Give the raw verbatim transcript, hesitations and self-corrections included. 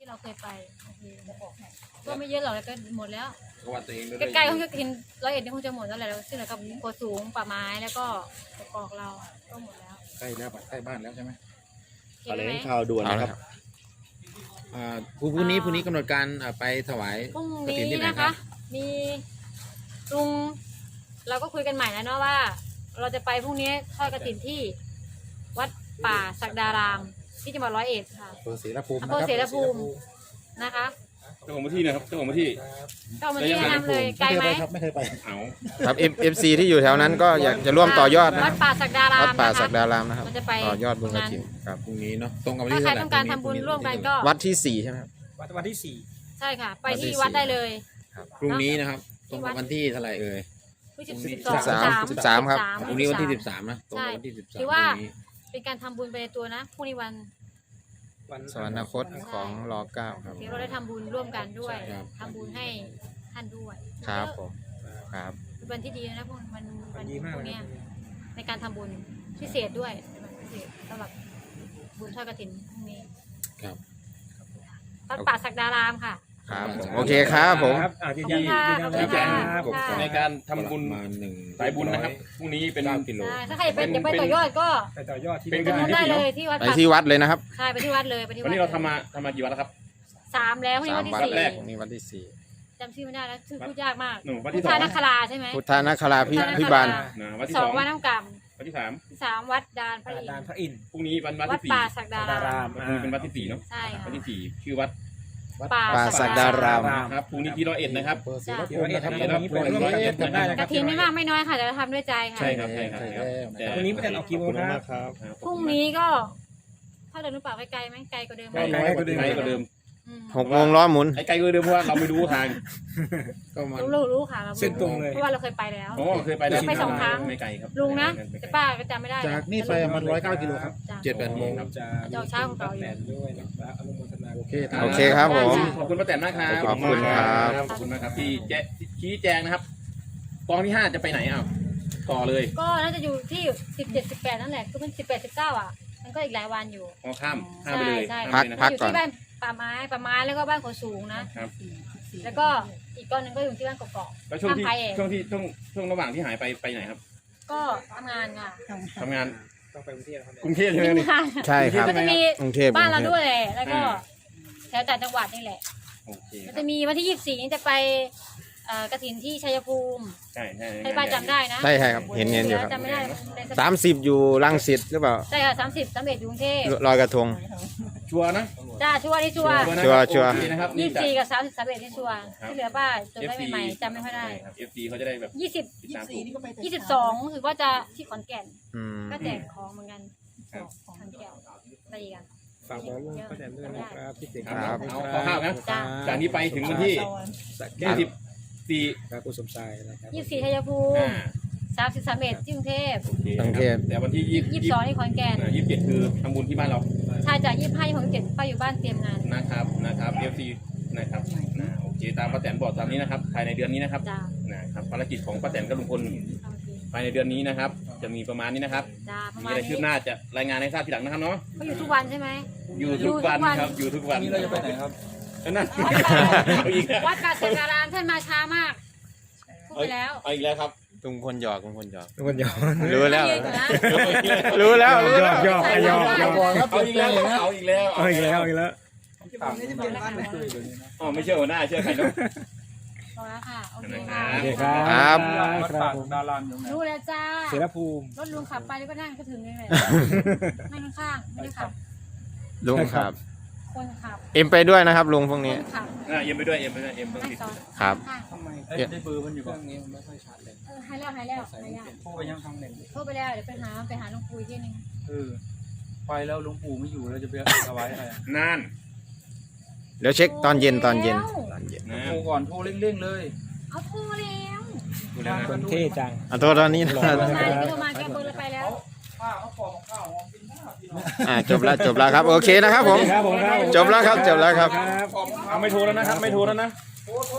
เราเคยไปก็ไม่เยอะหรอกแล้วก็หมดแล้ววัดตัวเองใกล้ๆคงจะกินร้อยเอ็ดนี่คงจะหมดแล้วแหละซึ่งเหลือกับโพสูงป่าไม้แล้วก็กอกเราก็หมดแล้วใกล้แล้วใกล้บ้านแล้วใช่ไหมเห็นแถลไหมงข่าวด่วนนะครับอ่าพรุ่งนี้พรุ่งนี้กำหนดการไปถวายพรุ่งกฐินที่นี้ไหนนะครัคะบมีลุงเราก็คุยกันใหม่แล้วเนาะว่า เราจะไปพรุ่งนี้ทอดกฐินที่วัดป่าศักดารามที่จังหวัดร้อยเอ็ดค่ะอำเภอศรีละภูมิอำเภอศรีละภูมินะคะเจ้าของพื้นที่นะครับเจ้าของพื้นที่ก็มาที่แนะนำเลยไกลไหมไม่เคยไปเอาครับ เอฟ ซี ที่อยู่แถวนั้นก็อยากจะร่วมต่อยอดนะวัดป่าศักดารามวัดป่านะคะศักดารามนะครับมันจะไปต่อยอดบุญกฐินครับพรุ่งนี้เนาะตรงกับวันถ้าที่ใครเท่าไหร่ต้องการทำบุญร่วมกันก็วัดที่สี่ใช่ไหมครับวันวันที่สี่ใช่ค่ะ ไปที่วัดได้เลยพรุ่งนี้นะครับตรงกับวันที่เท่าไหร่เอ่ยที่สิบสิบสองสามสิบสามครับพรุ่งนี้วันที่สิบสามนะตรงกับวันที่สิบสามถือว่าเป็นการทำบุญไปในตัวนะพรุ่งนี้วันวันสวรรคตของรอเก้าครับที่เราได้ทำบุญร่วมกันด้วยทำบุญให้ท่านด้วยครับผมครับเป็นวันที่ดีนะพวกมันวัวัน นดีมากพวกเลยเนี้ยในการทำบุญพิเศษด้วยเป็นวันพิเศษสำหรับบุญทอดกฐินพรุ่งนี้ครับวัดป่าศักดารามค่ะครับผมโอเคครับผมครับอ่ายืนยันขอบคุณยืนยันค่ะแล้วขอบคุณคค่ะรับในการทำบุญประมาณหนึ่งสายบุญนะครับพรุ่งนี้เป็นเก้ากิโลใช่ถ้าใครไปจะไปต่อยอดก็ไปต่อยอดที่เป็นไปนู่นได้เลยที่วัดไปป่าที่วัดเลยนะครับใช่ไปที่วัดเลยไปที่วัวัดนนี้เราทำมาทำมากี่วันแล้วครับสามแล้วพรุ่งนี้สาวัมนที่วัดสี่แรกนี่วันที่สี่จำชื่อไม่ได้แล้วชื่อพูดยากมากหนึ่งวันพุที่ทสธาองนาคราใช่ไหมพุทธานาคราพิพิบาลนะวันที่สสออง งวัดน้ำกวันที่สามำสามวัดดานพระอินทดานร์พระอินทร์พรุ่งนี้วันวัดวัดที่สี่ป่าศักดาดารารามมพรุ่งนี้เป็นวัดที่สี่เนาะใช่ค่ะวันที่สี่ชื่อวัดป่าป่าศักดารามครับพรุ่งนี้ที่ร้อยเอ็ดนะครับอำเภอศรีละภูร้อยมิเอ็ดนะคครัรับบ วันนี้ไปร่วมกันกันได้นะคกรับฐินไม่มากไม่น้อยค่ะแต่เราทำด้วยใจค่ะใช่ครับใช่ครับใช่ใช่ครับแล้ววันนี้ไม่ได้ออกกี่โมงครับครับพรุ่งนี้ก็ถ้าเดินหรือเปล่าไกลๆไหมไกลกว่าเดิมไหมไกลกว่าเดิมไกลกว่าเดิมอืมหกโมงล้อหมุนไอ้ไกลกว่าเดิมเพราะว่าเราไม่รู้ทางก็มารู้รู้รู้ค่ะเราเส้นตรงเลยเพราะว่าเราเคยไปแล้วโอ้เคยไปแล้วไปสองครั้งไม่ไกลครับลุงนะแต่ป้าก็จำไม่ได้จากนี่ไปประมันร้อยเก้ากิโลครับจ้ะเจ็ดแปดโมงครับจะจะเอาเช้าของเราอยู่แทนด้วยนะครับอนุโมทนาโอเคโอเคครับผมขอบคุณป้าแตนมากครับขอบคุณครับขอบคุณมากครับที่แจ้ชี้แจงนะครับกองที่ห้าจะไปไหนอ้าวต่อเลยก็น่าจะอยู่ที่สิบเจ็ดสิบแปดนั่นแหละคือมันสิบแปดสิบเก้าอ่ะมันก็อีกหลายวันอยู่อ๋อข้ามข้ามไปเลยใช่ข้ามใช่ไปเลยนะพักอยู่ที่บ้านป่าไม้ป่าไม้แล้วก็บ้านโขสูงนะครับแล้วก็อีกก้อนหนึ่งก็อยู่ที่บ้านกอกแล้วช่วงที่ข้ามไปเองช่วงที่ช่วงช่วงระหว่างที่หายไปไปไหนครับๆก็ทำงานค่ะทำงานต้องไปกรุงเทพครับกรุงเทพใช่ไหมทำนี่งานใช่ครับก็จะมีกรุงเทพบ้านเราด้วยแหละแล้วก็แถวต่างจังหวัดนี่แหละโอเคแล้วครัจะบมีวันที่ยี่สิบสี่นี้จะไปเอ่อกฐินที่ชัยภูมิใช่ใช่ให้ป้าจำได้นะใช่ใช่ครับเห็นเห็นอยู่ครับจำไม่ได้ในสสามสิบอยู่รังสิตหรือเปล่าใช่ค่ะสามสิบสามเอ็ดกรุงเทพลอยกระทงชัวร์นะจ้าชัวร์ที่ชัวร์นะชัวร์ชัวร์โอเคนะครับยี่นี่สิบจากสี่กับสามสิบสามเอ็ดที่ชัวร์ครับที่เหลือป้าจดไว้ใหม่ๆจำไม่ค่อยได้ครับ เอฟ ซี เขาจะได้แบบยี่สิบติดตามถูกยี่สิบสองถือว่าจะที่ขอนแก่นอืมก็แจกของเหมือนกันครับขอนแก่นอะไรอีกอ่ะฝากบอกลุงป้าแตนด้วยนะครับพี่เด็กครับเอาข้าวๆนะจ้าจากนี้ไปถึงวันที่แก้ยี่วสิบสี่ครับคุณสมชายนะครับยี่สิบสี่ชัยภูมิอ่าสามสิบสามเอ็ดที่กรุงเทพโอเคกรุงเทพแต่วันที่ยี่ยี่สิบสองที่ขอนแก่นยี่สิบเจ็ดคือทำบุญที่บ้านเราชายจากยี่สิบห้ายี่สิบหกยี่สิบเจ็ดป้าอยู่บ้านเตรียมงานนะครับนะครับ เอฟ ซี นะครับนะโอเคตามป้าแตนบอกตามนี้นะครับภายในเดือนนี้นะครับจ้านะครับภารกิจของป้าแตนกับลุงพลโอเคภายในเดือนนี้นะครับ จะมีประมาณนี้นะครับจ้าประมีมาณอะไรคืนี้บหน้าจะรายงานให้ทราบทีหลังนะครับเนาะเขาอยู่ทุกวันใช่ไหมอยู่ทุกวันครับ อยู่ทุกวันนี่เราจะไปไหนครับนั่นเอาอีกแล้ววัดป่าสักการามท่านมาช้ามากพูดไปแล้วเอาอีกแล้วครับลุงพลหยอกลุงพลหยอกทุกคนยอมรู้แล้วเย็นก่อนนะรู้แล้วรู้แล้วยอกยอกยอกเอาอีกแล้วเอาอีกแล้วเอาอีกแล้วเอาอีกแล้วอ๋อไม่เชื่อหัวหน้าเชื่อใครเนาะพอแล้วค่ะ โอเคค่ะโอเคครับครับครับผมรู้แล้วจ้าเสรภูมิรถลุงขับไปแล้วก็นั่งก็ถึงเลยแหละนั่งข้างๆไม่ได้ขับลุงครับคนขับเอ็มไปด้วยนะครับลุงพวกคนี้นขับอ่ะเอ็มไปด้วยเอ็มไปด้วยเอ็มต้องให้ติดซ้อนครับข้างทำไมได้เบอร์มันอยู่เครื่องนี้มันไม่ค่อยชัดเลยๆเออให้แล้วให้แล้วให้แล้วโทรไปยังทางหนึ่งโทรไปแล้วเดี๋ยวไปหาไปหาลุงปุยที่นึงเออไปแล้วหลวงปู่ไม่อยู่แล้วจะไปเอาไว้อะไรอะนั่นเดี๋ยวเช็คตอนเย็นตอนเย็นตอนเย็นนะโทรก่อนโทรเร่งๆเลยเอาโทรแล้วดูแล้วนะคนเท่จังอ่ะโทษตอนนี้นะโทรมาโทรมาแกเบอร์เลยไปแล้วข้าวเขาปอกข้าวหอมกินข้าวอ่าจบแล้วจบแล้วครับโอเคนะครับผมครับผมครับจบแล้วครับจบแล้วครับครับเอาไม่โทรแล้วนะครับ ไม่โทรแล้วนะ